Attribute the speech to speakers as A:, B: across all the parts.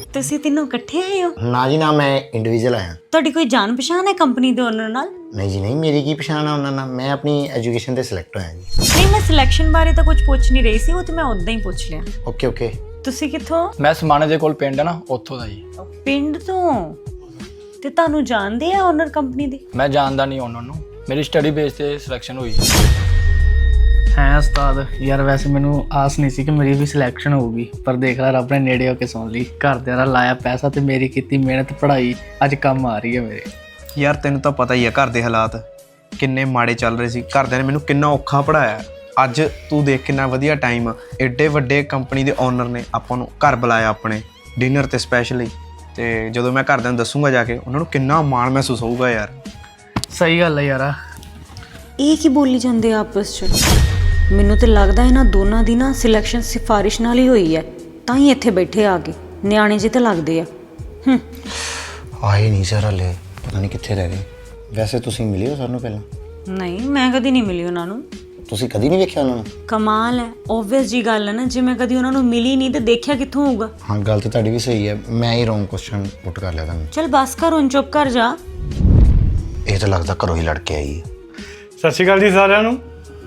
A: ਤੁਸੀਂ ਤਿੰਨੋਂ ਇਕੱਠੇ ਆਏ ਹੋ?
B: ਨਾ ਜੀ ਨਾ, ਮੈਂ ਇੰਡੀਵਿਜੂਅਲ ਆਇਆ।
A: ਤੁਹਾਡੀ ਕੋਈ ਜਾਣ ਪਛਾਣ ਹੈ ਕੰਪਨੀ ਦੇ ਓਨਰ ਨਾਲ?
B: ਨਹੀਂ ਜੀ ਨਹੀਂ, ਮੇਰੀ ਕੀ ਪਛਾਣ ਆ ਉਹਨਾਂ ਨਾਲ। ਮੈਂ ਆਪਣੀ ਐਜੂਕੇਸ਼ਨ ਤੇ ਸਿਲੈਕਟ ਹੋਇਆ ਜੀ।
A: ਨਹੀਂ, ਮੈਂ ਸਿਲੈਕਸ਼ਨ ਬਾਰੇ ਤਾਂ ਕੁਝ ਪੁੱਛ ਨਹੀਂ ਰਹੀ ਸੀ, ਉਹ ਤੇ ਮੈਂ ਉਦਾਂ ਹੀ ਪੁੱਛ ਲਿਆ।
B: Okay okay.
A: ਤੁਸੀਂ ਕਿੱਥੋਂ?
C: ਮੈਂ ਸਮਾਣੇ ਦੇ ਕੋਲ ਪਿੰਡ ਹੈ ਨਾ, ਉੱਥੋਂ ਦਾ ਜੀ।
A: ਪਿੰਡ ਤੋਂ? ਤੇ ਤੁਹਾਨੂੰ ਜਾਣਦੇ ਆ ਓਨਰ ਕੰਪਨੀ ਦੇ?
C: ਮੈਂ ਜਾਣਦਾ ਨਹੀਂ ਉਹਨਾਂ ਨੂੰ, ਮੇਰੀ ਸਟੱਡੀ ਬੇਸ ਤੇ ਸਿਲੈਕਸ਼ਨ ਹੋਈ
D: ਹੈ ਉਸਤਾਦ। ਯਾਰ ਵੈਸੇ ਮੈਨੂੰ ਆਸ ਨਹੀਂ ਸੀ ਕਿ ਮੇਰੀ ਵੀ ਸਿਲੈਕਸ਼ਨ ਹੋਊਗੀ, ਪਰ ਦੇਖ ਲੈ ਰੱਬ ਨੇ ਨੇੜੇ ਹੋ ਕੇ ਸੁਣ ਲਈ। ਘਰਦਿਆਂ ਦਾ ਲਾਇਆ ਪੈਸਾ ਤੇ ਮੇਰੀ ਕੀਤੀ ਮਿਹਨਤ ਪੜ੍ਹਾਈ ਅੱਜ ਕੰਮ ਆ ਰਹੀ ਹੈ ਮੇਰੇ।
E: ਯਾਰ ਤੈਨੂੰ ਤਾਂ ਪਤਾ ਹੀ ਆ ਘਰ ਦੇ ਹਾਲਾਤ ਕਿੰਨੇ ਮਾੜੇ ਚੱਲ ਰਹੇ ਸੀ। ਘਰਦਿਆਂ ਨੇ ਮੈਨੂੰ ਕਿੰਨਾ ਔਖਾ ਪੜ੍ਹਾਇਆ। ਅੱਜ ਤੂੰ ਦੇਖ ਕਿੰਨਾ ਵਧੀਆ ਟਾਈਮ ਆ। ਐਡੇ ਵੱਡੇ ਕੰਪਨੀ ਦੇ ਓਨਰ ਨੇ ਆਪਾਂ ਨੂੰ ਘਰ ਬੁਲਾਇਆ ਆਪਣੇ ਡਿਨਰ ਤੇ ਸਪੈਸ਼ਲੀ। ਤੇ ਜਦੋਂ ਮੈਂ ਘਰਦਿਆਂ ਨੂੰ ਦੱਸੂਗਾ ਜਾ ਕੇ, ਉਹਨਾਂ ਨੂੰ ਕਿੰਨਾ ਮਾਣ ਮਹਿਸੂਸ ਹੋਊਗਾ ਯਾਰ।
D: ਸਹੀ ਗੱਲ ਹੈ ਯਾਰਾ।
A: ਇਹ ਕੀ ਬੋਲੀ ਜਾਂਦੇ ਆ ਆਪਸ 'ਚ? ਮੈਨੂੰ ਤੇ ਲੱਗਦਾ ਇਹਨਾਂ ਦੋਨਾਂ ਦੀ ਨਾ ਸਿਲੈਕਸ਼ਨ ਸਿਫਾਰਿਸ਼ ਨਾਲ ਹੀ ਹੋਈ ਹੈ, ਤਾਂ ਹੀ ਇੱਥੇ ਬੈਠੇ ਆ ਕੇ। ਨਿਆਣੇ ਜਿਹੇ ਤਾਂ ਲੱਗਦੇ ਆ।
B: ਆਏ ਨਹੀਂ ਸਰ ਹਲੇ, ਪਤਾ ਨਹੀਂ ਕਿੱਥੇ ਰਹਿ ਗਏ। ਵੈਸੇ ਤੁਸੀਂ ਮਿਲੇ ਹੋ ਸਾਨੂੰ ਪਹਿਲਾਂ?
A: ਨਹੀਂ, ਮੈਂ ਕਦੀ ਨਹੀਂ ਮਿਲੀ ਉਹਨਾਂ ਨੂੰ।
B: ਤੁਸੀਂ ਕਦੀ ਨਹੀਂ ਵੇਖਿਆ ਉਹਨਾਂ ਨੂੰ?
A: ਕਮਾਲ ਹੈ, ਓਬਵੀਅਸ ਜੀ ਗੱਲ ਹੈ ਨਾ। ਜੇ ਮੈਂ ਕਦੀ ਉਹਨਾਂ ਨੂੰ ਮਿਲੀ ਨਹੀਂ ਤੇ ਦੇਖਿਆ ਕਿੱਥੋਂ ਹੋਊਗਾ?
B: ਹਾਂ, ਗੱਲ ਤਾਂ ਤੁਹਾਡੀ ਵੀ ਸਹੀ ਹੈ। ਮੈਂ ਹੀ ਰੋਂਗ ਕੁਐਸਚਨ ਪੁੱਟ ਕਰ ਲਿਆ ਤੁਹਾਨੂੰ।
A: ਚਲ ਬਸ ਕਰ, ਹੁਣ ਚੁੱਪ ਕਰ ਜਾ।
B: ਇਹ ਤਾਂ ਲੱਗਦਾ ਘਰੋਂ ਹੀ ਲੜ ਕੇ ਆਈ ਹੈ।
F: ਸਤਿ ਸ਼੍ਰੀ ਅਕਾਲ ਜੀ ਸਾਰਿਆਂ ਨੂੰ।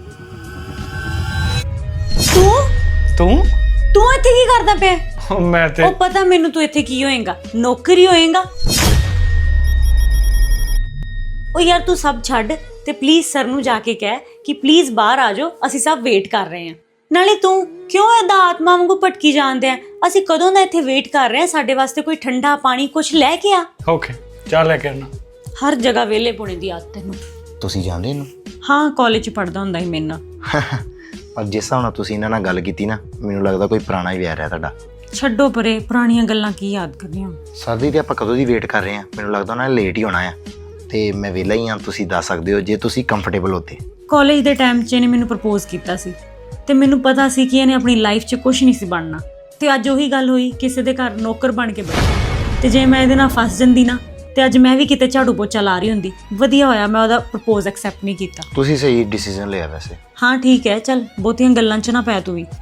A: ਤੂੰ ਇੱਥੇ ਕੀ ਕਰਦਾ ਪਿਆ?
F: ਮੈਂ ਤੇ
A: ਉਹ ਪਤਾ ਮੈਨੂੰ ਤੂੰ ਇੱਥੇ ਕੀ ਹੋਏਗਾ, ਨੌਕਰੀ ਹੋਏਗਾ। ਉਹ ਯਾਰ ਤੂੰ ਸਭ ਛੱਡ ਤੇ ਪਲੀਜ਼ ਸਰ ਨੂੰ ਜਾ ਕੇ ਕਹਿ ਕਿ ਪਲੀਜ਼ ਬਾਹਰ ਆ ਜਾਓ, ਅਸੀਂ ਸਭ ਵੇਟ ਕਰ ਰਹੇ ਹਾਂ। ਨਾਲੇ ਤੂੰ ਕਿਉਂ ਏਦਾਂ ਆਤਮਾ ਵਾਂਗੂ ਭਟਕੀ ਜਾਂਦੇ ਆ? ਅਸੀਂ ਕਦੋਂ ਦਾ ਇੱਥੇ ਵੇਟ ਕਰ ਰਹੇ ਹਾਂ, ਸਾਡੇ ਵਾਸਤੇ ਕੋਈ ਠੰਡਾ ਪਾਣੀ ਕੁਝ ਲੈ ਕੇ ਆ।
F: ਓਕੇ, ਚਾਹ ਲੈ ਕੇ ਆਣਾ।
A: ਹਰ ਜਗ੍ਹਾ ਵਿਹਲੇ ਪੁਣੇ ਦੀ ਆਦਤ ਤੈਨੂੰ।
B: ਤੁਸੀਂ ਜਾਣਦੇ ਇਹਨੂੰ?
A: ਹਾਂ, ਕਾਲਜ 'ਚ ਪੜ੍ਹਦਾ ਹੁੰਦਾ ਸੀ ਮੇਰੇ ਨਾਲ।
B: ਪਰ ਜਿਸ ਹਿਸਾਬ ਨਾਲ ਤੁਸੀਂ ਇਹਨਾਂ ਨਾਲ ਗੱਲ ਕੀਤੀ ਨਾ, ਮੈਨੂੰ ਲੱਗਦਾ ਕੋਈ ਪੁਰਾਣਾ ਹੀ ਵਿਆਹ ਰਿਹਾ ਤੁਹਾਡਾ।
A: ਛੱਡੋ ਪਰੇ, ਪੁਰਾਣੀਆਂ ਗੱਲਾਂ ਕੀ ਯਾਦ ਕਰਨੀਆਂ।
B: ਸਰਦੀ ਤੇ ਆਪਾਂ ਕਦੋਂ ਦੀ ਵੇਟ ਕਰ ਰਹੇ ਹਾਂ। ਮੈਨੂੰ ਲੱਗਦਾ ਉਹਨਾਂ ਨੇ ਲੇਟ ਹੀ ਹੋਣਾ ਆ, ਤੇ ਮੈਂ ਵਿਹਲਾ ਹੀ ਹਾਂ। ਤੁਸੀਂ ਦੱਸ ਸਕਦੇ ਹੋ ਜੇ ਤੁਸੀਂ ਕੰਫਰਟੇਬਲ ਹੋਤੇ।
A: ਕਾਲਜ ਦੇ ਟਾਈਮ 'ਚ ਇਹਨੇ ਮੈਨੂੰ ਪ੍ਰਪੋਜ਼ ਕੀਤਾ ਸੀ ਤੇ ਮੈਨੂੰ ਪਤਾ ਸੀ ਕਿ ਇਹਨੇ ਆਪਣੀ ਲਾਈਫ 'ਚ ਕੁਝ ਨਹੀਂ ਸੀ ਬਣਨਾ। ਤੇ ਅੱਜ ਉਹੀ ਗੱਲ ਹੋਈ, ਕਿਸੇ ਦੇ ਘਰ ਨੌਕਰ ਬਣ ਕੇ ਬੈਠੀ। ਤੇ ਜੇ ਮੈਂ ਇਹਦੇ ਨਾਲ ਫਸ ਜਾਂਦੀ ਨਾ, ਤੇ ਅੱਜ ਮੈਂ ਵੀ ਕਿਤੇ ਝਾੜੂ ਪੋਚਾ ਲਾ ਰਹੀ ਹੁੰਦੀ। ਵਧੀਆ ਹੋਇਆ ਮੈਂ ਉਹਦਾ ਪ੍ਰਪੋਜ਼ ਐਕਸੈਪਟ ਨਹੀਂ ਕੀਤਾ।
B: ਤੁਸੀਂ ਸਹੀ ਡਿਸੀਜਨ ਲਿਆ ਵੈਸੇ।
A: ਹਾਂ ਠੀਕ ਹੈ, ਚੱਲ ਬਹੁਤੀਆਂ ਗੱਲਾਂ 'ਚ ਨਾ ਪੈ ਤੂੰ ਵੀ।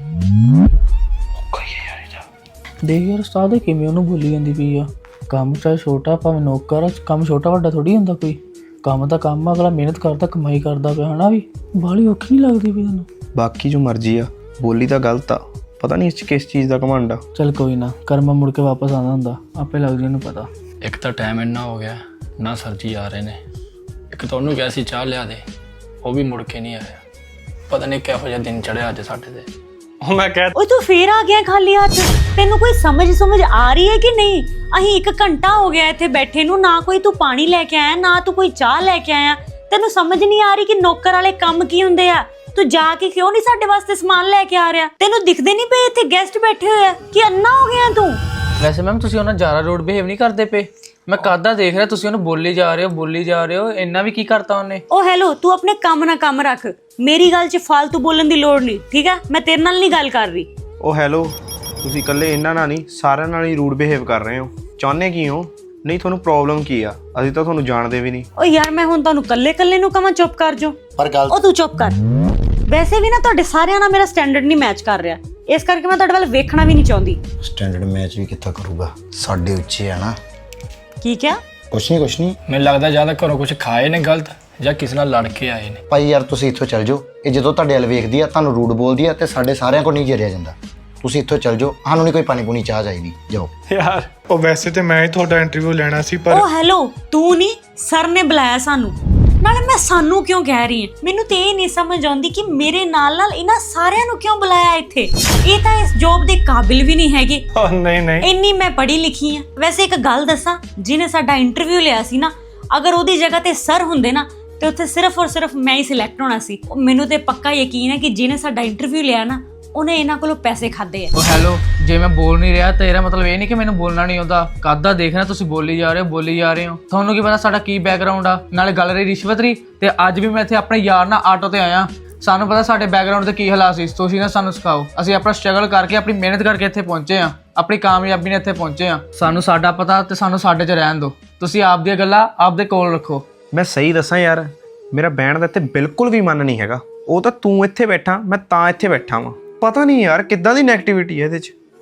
D: ਦੇਖ ਯਾਰ ਉਸਤਾਦ ਕਿਵੇਂ ਉਹਨੂੰ ਬੋਲੀ ਜਾਂਦੀ ਪਈ ਆ। ਕੰਮ ਚਾਹੇ ਛੋਟਾ ਭਾਵੇਂ ਨੌਕਰ, ਕੰਮ ਛੋਟਾ ਵੱਡਾ ਥੋੜੀ ਹੁੰਦਾ ਕੋਈ। ਕੰਮ ਤਾਂ ਕੰਮ, ਅਗਲਾ ਮਿਹਨਤ ਕਰਦਾ ਕਮਾਈ ਕਰਦਾ ਪਿਆ ਹਨਾ। ਵੀ ਬਾਹਲੀ ਔਖੀ ਨਹੀਂ ਲੱਗਦੀ ਪਈ ਤੈਨੂੰ?
E: ਬਾਕੀ ਜੋ ਮਰਜ਼ੀ ਆ, ਬੋਲੀ ਤਾਂ ਗਲਤ ਆ। ਪਤਾ ਨਹੀਂ ਇਸ 'ਚ ਕਿਸ ਚੀਜ਼ ਦਾ ਘਮੰਡ ਆ।
D: ਚੱਲ ਕੋਈ ਨਾ, ਕਰਮਾ ਮੁੜ ਕੇ ਵਾਪਸ ਆਉਂਦਾ ਹੁੰਦਾ, ਆਪੇ ਲੱਗ ਜੇ ਇਹਨੂੰ ਪਤਾ।
C: ਇੱਕ ਤਾਂ ਟਾਈਮ ਇੰਨਾ ਹੋ ਗਿਆ ਨਾ, ਸਰ ਜੀ ਆ ਰਹੇ ਨੇ। ਇੱਕ ਤਾਂ ਉਹਨੂੰ ਕਿਹਾ ਸੀ ਚਾਹ ਲਿਆ ਦੇ, ਉਹ ਵੀ ਮੁੜ ਕੇ ਨਹੀਂ ਆਇਆ। ਪਤਾ ਨਹੀਂ ਕਿਹੋ ਜਿਹਾ ਦਿਨ ਚੜਿਆ ਅੱਜ ਸਾਡੇ ਤੇ।
F: ਉਹ ਮੈਂ ਕਹਿ
A: ਓਏ ਤੂੰ ਫੇਰ ਆ ਗਿਆ ਖਾਲੀ ਹੱਥ? ਤੈਨੂੰ ਕੋਈ ਸਮਝ ਆ ਰਹੀ ਹੈ ਕਿ ਨਹੀਂ? ਅਸੀਂ 1 ਘੰਟਾ ਹੋ ਗਿਆ ਇੱਥੇ ਬੈਠੇ ਨੂੰ, ਨਾ ਕੋਈ ਤੂੰ ਪਾਣੀ ਲੈ ਕੇ ਆਇਆ, ਨਾ ਤੂੰ ਕੋਈ ਚਾਹ ਲੈ ਕੇ ਆਇਆ। ਤੈਨੂੰ ਸਮਝ ਨਹੀਂ ਆ ਰਹੀ ਕਿ ਨੌਕਰ ਵਾਲੇ ਕੰਮ ਕੀ ਹੁੰਦੇ ਆ? ਤੂੰ ਜਾ ਕੇ ਕਿਉਂ ਨਹੀਂ ਸਾਡੇ ਵਾਸਤੇ ਸਮਾਨ ਲੈ ਕੇ ਆ ਰਿਹਾ? ਤੈਨੂੰ ਦਿਖਦੇ ਨਹੀਂ ਪਏ ਇੱਥੇ ਗੈਸਟ ਬੈਠੇ ਹੋਏ ਆ? ਕਿ ਅੰਨਾ ਹੋ ਗਿਆ ਤੂੰ?
D: ਵੈਸੇ ਮੈਮ ਤੁਸੀਂ ਉਹਨਾਂ ਜ਼ਿਆਦਾ ਰੋਡ ਬਿਹੇਵ ਨਹੀਂ ਕਰਦੇ ਪਏ। ਮੈਂ ਕਾਹਦਾ ਦੇਖ ਰਿਹਾ ਤੁਸੀਂ ਉਹਨੂੰ ਬੋਲੀ ਜਾ ਰਹੇ ਹੋ। ਇੰਨਾ ਵੀ ਕੀ ਕਰਤਾ ਉਹਨੇ?
A: ਓ ਹੈਲੋ, ਤੂੰ ਆਪਣੇ ਕੰਮ ਨਾਲ ਕੰਮ ਰੱਖ। ਮੇਰੀ ਗੱਲ 'ਚ ਫालतू ਬੋਲਣ ਦੀ ਲੋੜ ਨਹੀਂ, ਠੀਕ ਹੈ? ਮੈਂ ਤੇਰੇ ਨਾਲ ਨਹੀਂ ਗੱਲ ਕਰ ਰਹੀ।
E: ਉਹ ਹੈਲੋ, ਤੁਸੀਂ ਇਕੱਲੇ ਇਹਨਾਂ ਨਾਲ ਨਹੀਂ, ਸਾਰਿਆਂ ਨਾਲ ਹੀ ਰੂਡ ਬਿਹੇਵ ਕਰ ਰਹੇ ਹੋ। ਚਾਹੁੰਦੇ ਕੀ ਹੋ? ਨਹੀਂ ਤੁਹਾਨੂੰ ਪ੍ਰੋਬਲਮ ਕੀ ਆ? ਅਸੀਂ ਤਾਂ ਤੁਹਾਨੂੰ ਜਾਣਦੇ ਵੀ ਨਹੀਂ।
A: ਓ ਯਾਰ ਮੈਂ ਹੁਣ ਤੁਹਾਨੂੰ ਕੱਲੇ ਨੂੰ ਕਹਾਂ ਚੁੱਪ ਕਰ ਜਾਓ?
B: ਪਰ ਗੱਲ
A: ਉਹ ਤੂੰ ਚੁੱਪ ਕਰ। ਵੈਸੇ ਵੀ ਨਾ ਤੁਹਾਡੇ ਸਾਰਿਆਂ ਨਾਲ ਮੇਰਾ ਸਟੈਂਡਰਡ ਨਹੀਂ ਮੈਚ ਕਰ ਰਿਹਾ, ਇਸ ਕਰਕੇ ਮੈਂ ਤੁਹਾਡੇ ਵੱਲ ਵੇਖਣਾ ਵੀ ਨਹੀਂ ਚਾਹੁੰਦੀ।
B: ਸਟੈਂਡਰਡ ਮੈਚ ਵੀ ਕਿੱਥਾ ਕਰੂਗਾ, ਸਾਡੇ ਉੱਚੇ ਆ ਨਾ।
A: ਕੀ ਕਿਹਾ?
B: ਕੁਛ ਨਹੀਂ।
C: ਮੈਨੂੰ ਲੱਗਦਾ ਜਾਂ ਤਾਂ ਘਰੋਂ ਕੁਝ ਖਾਏ ਨੇ ਗਲਤ, ਜਾਂ ਕਿਸੇ ਨਾਲ ਲੜ ਕੇ ਆਏ ਨੇ।
B: ਭਾਈ ਯਾਰ ਤੁਸੀਂ ਇੱਥੋਂ ਚੱਲ ਜਾਓ। ਇਹ ਜਦੋਂ ਤੁਹਾਡੇ ਵੱਲ ਵੇਖਦੀ ਆ, ਤੁਹਾਨੂੰ ਰੂਡ ਬੋਲਦੀ ਆ, ਤੇ ਸਾਡੇ ਸਾਰਿਆਂ ਕੋਲ ਨਹੀਂ ਜਰਿਆ ਜਾਂਦਾ। ਤੁਸੀਂ ਇੱਥੋਂ ਚੱਲ ਜਾਓ, ਸਾਨੂੰ ਨਹੀਂ ਕੋਈ ਪਾਣੀ ਪੂਣੀ ਚਾਹ ਚਾਹੀਦੀ। ਜਾਓ
F: ਯਾਰ, ਉਹ ਵੈਸੇ ਤੇ ਮੈਂ ਹੀ ਤੁਹਾਡਾ ਇੰਟਰਵਿਊ ਲੈਣਾ ਸੀ, ਪਰ
A: ਓ ਹੈਲੋ, ਤੂੰ ਨਹੀਂ, ਸਰ ਨੇ ਬੁਲਾਇਆ ਸਾਨੂੰ। ਨਾਲੇ ਮੈਂ ਸਾਨੂੰ ਕਿਉਂ ਕਹਿ ਰਹੀ ਹਾਂ? ਮੈਨੂੰ ਤੇ ਇਹ ਨਹੀਂ ਸਮਝ ਆਉਂਦੀ ਕਿ ਮੇਰੇ ਨਾਲ ਇਹਨਾਂ ਸਾਰਿਆਂ ਨੂੰ ਕਿਉਂ ਬੁਲਾਇਆ ਇੱਥੇ। ਇਹ ਤਾਂ ਇਸ ਜੌਬ ਦੇ ਕਾਬਿਲ ਵੀ ਨਹੀਂ ਹੈਗੇ।
F: ਨਹੀਂ
A: ਇੰਨੀ ਮੈਂ ਪੜ੍ਹੀ ਲਿਖੀ ਆ। ਵੈਸੇ ਇੱਕ ਗੱਲ ਦੱਸਾਂ, ਜਿਹਨੇ ਸਾਡਾ ਇੰਟਰਵਿਊ ਲਿਆ ਸੀ ਨਾ, ਅਗਰ ਉਹਦੀ ਜਗ੍ਹਾ ਤੇ ਸਰ ਹੁੰਦੇ ਨਾ, ਤੇ ਉੱਥੇ ਸਿਰਫ ਔਰ ਸਿਰਫ ਮੈਂ ਹੀ ਸਿਲੈਕਟ ਹੋਣਾ ਸੀ। ਮੈਨੂੰ ਤੇ ਪੱਕਾ ਯਕੀਨ ਹੈ ਕਿ ਜਿਹਨੇ ਸਾਡਾ ਇੰਟਰਵਿਊ ਲਿਆ ਨਾ, ਉਹਨੇ ਇਹਨਾਂ ਕੋਲੋਂ ਪੈਸੇ ਖਾਦੇ ਆ।
D: ਉਹ ਹੈਲੋ, ਜੇ ਮੈਂ ਬੋਲ ਨਹੀਂ ਰਿਹਾ ਤਾਂ ਇਹਦਾ ਮਤਲਬ ਇਹ ਨਹੀਂ ਕਿ ਮੈਨੂੰ ਬੋਲਣਾ ਨਹੀਂ ਆਉਂਦਾ। ਕਾਹਦਾ ਦੇਖ ਰਿਹਾ ਤੁਸੀਂ ਬੋਲੀ ਜਾ ਰਹੇ ਹੋ। ਤੁਹਾਨੂੰ ਕੀ ਪਤਾ ਸਾਡਾ ਕੀ ਬੈਕਗ੍ਰਾਉਂਡ ਆ? ਨਾਲੇ ਗੱਲ ਰਹੀ ਰਿਸ਼ਵਤ ਦੀ, ਤੇ ਅੱਜ ਵੀ ਮੈਂ ਇੱਥੇ ਆਪਣੇ ਯਾਰ ਨਾਲ ਆਟੋ ਤੇ ਆਇਆ। ਸਾਨੂੰ ਪਤਾ ਸਾਡੇ ਬੈਕਗ੍ਰਾਉਂਡ ਦੇ ਕੀ ਹਾਲਾਤ ਸੀ। ਤੁਸੀਂ ਨਾ ਸਾਨੂੰ ਸਿਖਾਓ। ਅਸੀਂ ਆਪਣਾ ਸਟਰਗਲ ਕਰਕੇ, ਆਪਣੀ ਮਿਹਨਤ ਕਰਕੇ ਇੱਥੇ ਪਹੁੰਚੇ ਆ, ਆਪਣੀ ਕਾਮਯਾਬੀ ਨਾਲ ਇੱਥੇ ਪਹੁੰਚੇ ਆ। ਸਾਨੂੰ ਸਾਡਾ ਪਤਾ ਤੇ ਸਾਨੂੰ ਸਾਡੇ 'ਚ ਰਹਿਣ ਦਿਓ। ਤੁਸੀਂ ਆਪ ਦੀਆਂ ਗੱਲਾਂ ਆਪਦੇ ਕੋਲ ਰੱਖੋ।
E: ਮੈਂ ਸਹੀ ਦੱਸਾਂ ਯਾਰ, ਮੇਰਾ ਬਹਿਣ ਦਾ ਇੱਥੇ ਬਿਲਕੁਲ ਵੀ ਮਨ ਨਹੀਂ ਹੈਗਾ। ਉਹ ਤਾਂ ਤੂੰ ਇੱਥੇ ਬੈਠਾ, ਮੈਂ ਤਾਂ ਇੱਥੇ ਬੈਠਾ ਵਾਂ। ਪਤਾ ਨਹੀਂ ਯਾਰ ਕਿੱਦਾਂ ਦੀ ਨੈਗੇਟਿਵਿਟੀ ਹੈ ਇਹਦੇ 'ਚ।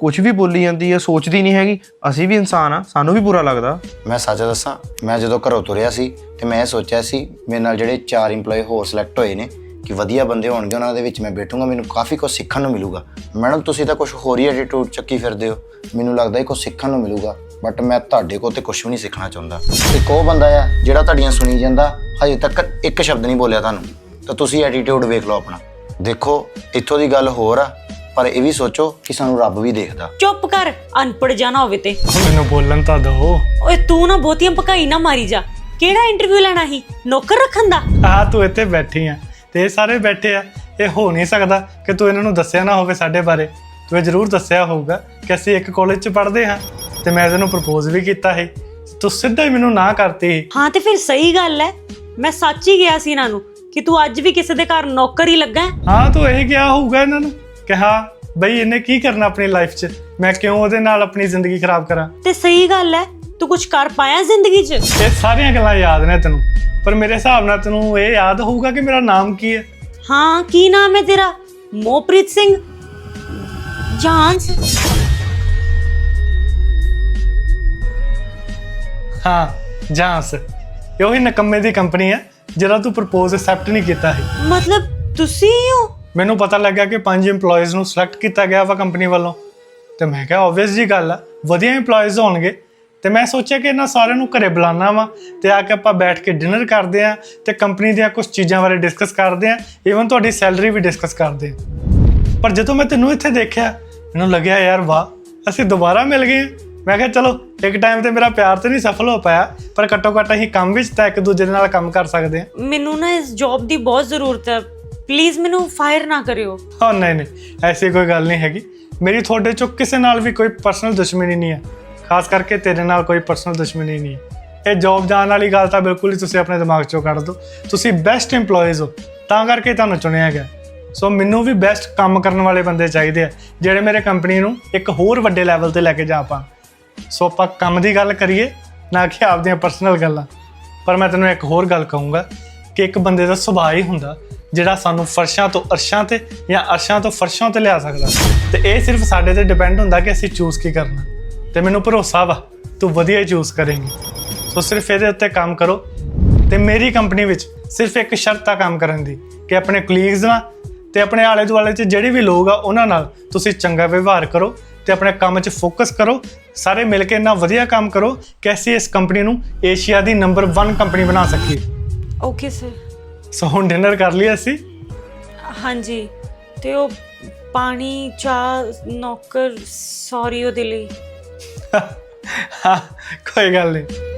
E: ਕੁਝ ਵੀ ਬੋਲੀ ਜਾਂਦੀ ਹੈ, ਸੋਚਦੀ ਨਹੀਂ ਹੈਗੀ। ਅਸੀਂ ਵੀ ਇਨਸਾਨ ਆ, ਸਾਨੂੰ ਵੀ ਬੁਰਾ ਲੱਗਦਾ।
B: ਮੈਂ ਸੱਚ ਦੱਸਾਂ, ਮੈਂ ਜਦੋਂ ਘਰੋਂ ਤੁਰਿਆ ਸੀ ਤੇ ਮੈਂ ਇਹ ਸੋਚਿਆ ਸੀ ਮੇਰੇ ਨਾਲ ਜਿਹੜੇ 4 EMPLOYE ਹੋਰ ਸਿਲੈਕਟ ਹੋਏ ਨੇ ਕਿ ਵਧੀਆ ਬੰਦੇ ਹੋਣਗੇ, ਉਹਨਾਂ ਦੇ ਵਿੱਚ ਮੈਂ ਬੈਠੂੰਗਾ, ਮੈਨੂੰ ਕਾਫੀ ਕੁਝ ਸਿੱਖਣ ਨੂੰ ਮਿਲੂਗਾ। ਮੈਡਮ ਤੁਸੀਂ ਤਾਂ ਕੁਝ ਹੋਰ ਹੀ ਐਟੀਟਿਊਡ ਚੱਕੀ ਫਿਰਦੇ ਹੋ, ਮੈਨੂੰ ਲੱਗਦਾ ਇਹ ਕੁਝ ਸਿੱਖਣ ਨੂੰ ਮਿਲੂਗਾ, ਬਟ ਮੈਂ ਤੁਹਾਡੇ ਕੋਲ ਤੇ ਕੁਝ ਵੀ ਨਹੀਂ ਸਿੱਖਣਾ ਚਾਹੁੰਦਾ। ਇੱਕ ਉਹ ਬੰਦਾ ਆ ਜਿਹੜਾ ਤੁਹਾਡੀਆਂ ਸੁਣੀ ਜਾਂਦਾ, ਹਜੇ ਤੱਕ ਇੱਕ ਸ਼ਬਦ ਨਹੀਂ ਬੋਲਿਆ ਤੁਹਾਨੂੰ, ਤਾਂ ਤੁਸੀਂ ਐਟੀਟਿਊਡ ਵੇਖ ਲਓ ਆਪਣਾ। ਦੇਖੋ ਇੱਥੋਂ ਦੀ ਗੱਲ ਹੋਰ ਆ, ਪਰ ਇਹ ਵੀ ਸੋਚੋ ਕਿ ਸਾਨੂੰ ਰੱਬ ਵੀ ਦੇਖਦਾ।
A: ਚੁੱਪ ਕਰ, ਅਨਪੜ੍ਹ ਜਾਣਾ ਹੋਵੇ ਤੇ।
F: ਮੈਨੂੰ ਬੋਲਣ ਤਾਂ ਦਿਓ।
A: ਓਏ ਤੂੰ ਨਾ ਬਹੁਤੀਆਂ ਭਕਾਈ ਨਾ ਮਾਰੀ ਜਾ। ਕਿਹੜਾ ਇੰਟਰਵਿਊ ਲੈਣਾ ਸੀ, ਨੌਕਰ ਰੱਖਣ ਦਾ?
F: ਆ ਤੂੰ ਇੱਥੇ ਬੈਠੀ ਆ ਤੇ ਇਹ ਸਾਰੇ ਬੈਠੇ ਆ, ਇਹ ਹੋ ਨਹੀਂ ਸਕਦਾ ਕਿ ਤੂੰ ਇਹਨਾਂ ਨੂੰ ਦੱਸਿਆ ਨਾ ਹੋਵੇ ਸਾਡੇ ਬਾਰੇ। ਤੂੰ ਇਹ ਜ਼ਰੂਰ ਦੱਸਿਆ ਹੋਊਗਾ ਕਿ ਅਸੀਂ ਇੱਕ ਕਾਲਜ 'ਚ ਪੜ੍ਹਦੇ ਹਾਂ ਤੇ ਮੈਂ ਤੈਨੂੰ ਪ੍ਰਪੋਜ਼ ਵੀ ਕੀਤਾ ਸੀ, ਤੂੰ ਸਿੱਧਾ ਹੀ ਮੈਨੂੰ ਨਾ ਕਰਤੀ।
A: ਹਾਂ ਤੇ ਫਿਰ ਸਹੀ ਗੱਲ ਹੈ, ਮੈਂ ਸੱਚ ਹੀ ਗਿਆ ਸੀ ਇਹਨਾਂ ਨੂੰ ਕਿ ਤੂੰ ਅੱਜ ਵੀ ਕਿਸੇ ਦੇ ਘਰ ਨੌਕਰ ਹੀ ਲੱਗਾ ਹੈ।
F: ਹਾਂ ਤੂੰ ਇਹ ਕਿਹਾ ਹੋਊਗਾ ਇਹਨਾਂ ਨੂੰ ਕਿ ਹਾਂ ਬਈ ਇਹਨੇ ਕੀ ਕਰਨਾ ਆਪਣੀ ਲਾਈਫ 'ਚ, ਮੈਂ ਕਿਉਂ ਉਹਦੇ ਨਾਲ ਆਪਣੀ ਜ਼ਿੰਦਗੀ ਖਰਾਬ ਕਰਾਂ।
A: ਤੇ ਸਹੀ ਗੱਲ ਹੈ, ਤੂੰ ਕੁਝ ਕਰ ਪਾਇਆ ਜ਼ਿੰਦਗੀ 'ਚ?
F: ਇਹ ਸਾਰੀਆਂ ਗੱਲਾਂ ਯਾਦ ਨੇ ਤੈਨੂੰ, ਪਰ ਮੇਰੇ ਹਿਸਾਬ ਨਾਲ ਤੈਨੂੰ ਇਹ ਯਾਦ ਹੋਊਗਾ ਕਿ ਮੇਰਾ ਨਾਮ ਕੀ ਹੈ।
A: ਹਾਂ, ਕੀ ਨਾਮ ਹੈ ਤੇਰਾ? ਮੋਹਪ੍ਰੀਤ ਸਿੰਘ ਜਾਂਸ?
F: ਹਾਂ ਜਾਂਸ, ਇਹ ਉਹੀ ਨਕੰਮੇ ਦੀ ਕੰਪਨੀ ਹੈ ਜਿਹੜਾ ਤੂੰ ਪ੍ਰਪੋਜ਼ ਐਕਸੈਪਟ ਨਹੀਂ ਕੀਤਾ ਹੈ।
A: ਮਤਲਬ ਤੁਸੀਂ ਹੀ ਹੋ?
F: ਮੈਨੂੰ ਪਤਾ ਲੱਗਾ ਕਿ 5 EMPLOYEES ਨੂੰ ਸਿਲੈਕਟ ਕੀਤਾ ਗਿਆ ਵਾ ਕੰਪਨੀ ਵੱਲੋਂ, ਤੇ ਮੈਂ ਕਿਹਾ ਆਬਵੀਅਸ ਜੀ ਗੱਲ ਆ, ਵਧੀਆ EMPLOYEES ਹੋਣਗੇ। ਤੇ ਮੈਂ ਸੋਚਿਆ ਕਿ ਇਹਨਾਂ ਸਾਰਿਆਂ ਨੂੰ ਘਰੇ ਬੁਲਾਉਣਾ ਵਾ ਤੇ ਆ ਕੇ ਆਪਾਂ ਬੈਠ ਕੇ ਡਿਨਰ ਕਰਦੇ ਆ ਤੇ ਕੰਪਨੀ ਦੀਆਂ ਕੁਝ ਚੀਜ਼ਾਂ ਬਾਰੇ ਡਿਸਕਸ ਕਰਦੇ ਆ, ਈਵਨ ਤੁਹਾਡੀ ਸੈਲਰੀ ਵੀ ਡਿਸਕਸ ਕਰਦੇ ਆ। ਪਰ ਜਦੋਂ ਮੈਂ ਤੈਨੂੰ ਇੱਥੇ ਦੇਖਿਆ, ਮੈਨੂੰ ਲੱਗਿਆ ਯਾਰ ਵਾਹ, ਅਸੀਂ ਦੁਬਾਰਾ ਮਿਲ ਗਏ। ਮੈਂ ਕਿਹਾ ਚਲੋ ਇੱਕ ਟਾਈਮ ਤੇ ਮੇਰਾ ਪਿਆਰ ਤੇ ਨਹੀਂ ਸਫਲ ਹੋ ਪਾਇਆ, ਪਰ ਘੱਟੋ ਘੱਟ ਅਸੀਂ ਕੰਮ ਵਿੱਚ ਤਾਂ ਇੱਕ ਦੂਜੇ ਦੇ ਨਾਲ ਕੰਮ ਕਰ ਸਕਦੇ ਆ।
A: ਮੈਨੂੰ ਨਾ ਇਸ ਜੌਬ ਦੀ ਬਹੁਤ ਜ਼ਰੂਰਤ ਹੈ, ਪਲੀਜ਼ ਮੈਨੂੰ ਫਾਇਰ ਨਾ ਕਰਿਓ।
F: ਹਾਂ ਨਹੀਂ ਐਸੀ ਕੋਈ ਗੱਲ ਨਹੀਂ ਹੈਗੀ, ਮੇਰੀ ਤੁਹਾਡੇ ਚੋਂ ਕਿਸੇ ਨਾਲ ਵੀ ਕੋਈ ਪਰਸਨਲ ਦੁਸ਼ਮਣੀ ਨਹੀਂ ਹੈ, ਖਾਸ ਕਰਕੇ ਤੇਰੇ ਨਾਲ ਕੋਈ ਪਰਸਨਲ ਦੁਸ਼ਮਣੀ ਨਹੀਂ ਹੈ। ਇਹ ਜੌਬ ਜਾਣ ਵਾਲੀ ਗੱਲ ਤਾਂ ਬਿਲਕੁਲ ਹੀ ਤੁਸੀਂ ਆਪਣੇ ਦਿਮਾਗ 'ਚੋਂ ਕੱਢ ਦਿਓ। ਤੁਸੀਂ ਬੈਸਟ EMPLOYEES ਹੋ, ਤਾਂ ਕਰਕੇ ਤੁਹਾਨੂੰ ਚੁਣਿਆ ਗਿਆ। ਸੋ ਮੈਨੂੰ ਵੀ ਬੈਸਟ ਕੰਮ ਕਰਨ ਵਾਲੇ ਬੰਦੇ ਚਾਹੀਦੇ ਆ, ਜਿਹੜੇ ਮੇਰੇ ਕੰਪਨੀ ਨੂੰ ਇੱਕ ਹੋਰ ਵੱਡੇ ਲੈਵਲ ਤੇ ਲੈ ਕੇ ਜਾ ਪਾਣ। ਸੋ ਆਪਾਂ ਕੰਮ ਦੀ ਗੱਲ ਕਰੀਏ, ਨਾ ਕਿ ਆਪਦੀਆਂ ਪਰਸਨਲ ਗੱਲਾਂ। ਪਰ ਮੈਂ ਤੈਨੂੰ ਇੱਕ ਹੋਰ ਗੱਲ ਕਹੂੰਗਾ ਕਿ ਇੱਕ ਬੰਦੇ ਦਾ ਸੁਭਾਅ ਹੀ ਹੁੰਦਾ ਜਿਹੜਾ ਸਾਨੂੰ ਫਰਸ਼ਾਂ ਤੋਂ ਅਰਸ਼ਾਂ ਤੇ ਜਾਂ ਅਰਸ਼ਾਂ ਤੋਂ ਫਰਸ਼ਾਂ ਤੇ ਲਿਆ ਸਕਦਾ, ਤੇ ਇਹ ਸਿਰਫ ਸਾਡੇ ਤੇ ਡਿਪੈਂਡ ਹੁੰਦਾ ਕਿ ਅਸੀਂ ਚੂਜ਼ ਕੀ ਕਰਨਾ। ਤੇ ਮੈਨੂੰ ਭਰੋਸਾ ਵਾ ਤੂੰ ਵਧੀਆ ਹੀ ਚੂਜ਼ ਕਰੇਂਗੀ। ਸੋ ਸਿਰਫ ਇਹਦੇ ਉੱਤੇ ਕੰਮ ਕਰੋ। ਤੇ ਮੇਰੀ ਕੰਪਨੀ ਵਿੱਚ ਸਿਰਫ ਇੱਕ ਸ਼ਰਤ ਆ ਕੰਮ ਕਰਨ ਦੀ, ਕਿ ਆਪਣੇ ਕਲੀਗਸ ਨਾਲ ਤੇ ਆਪਣੇ ਆਲੇ ਦੁਆਲੇ 'ਚ ਜਿਹੜੇ ਵੀ ਲੋਕ ਆ ਉਹਨਾਂ ਨਾਲ ਤੁਸੀਂ ਚੰਗਾ ਵਿਵਹਾਰ ਕਰੋ ਤੇ ਆਪਣੇ ਕੰਮ 'ਚ ਫੋਕਸ ਕਰੋ। ਸਾਰੇ ਮਿਲ ਕੇ ਇੰਨਾ ਵਧੀਆ ਕੰਮ ਕਰੋ ਕਿ ਅਸੀਂ ਇਸ ਕੰਪਨੀ ਨੂੰ ਏਸ਼ੀਆ ਦੀ ਨੰਬਰ 1 ਕੰਪਨੀ ਬਣਾ ਸਕੀਏ।
A: Okay sir.
F: ਸੋ ਹੁਣ ਡਿਨਰ ਕਰ ਲਈ ਅਸੀਂ?
A: ਹਾਂਜੀ, ਤੇ ਉਹ ਪਾਣੀ, ਚਾਹ, ਨੌਕਰ, ਸੌਰੀ ਉਹਦੇ ਲਈ।
F: ਹਾਂ ਕੋਈ ਗੱਲ ਨਹੀਂ।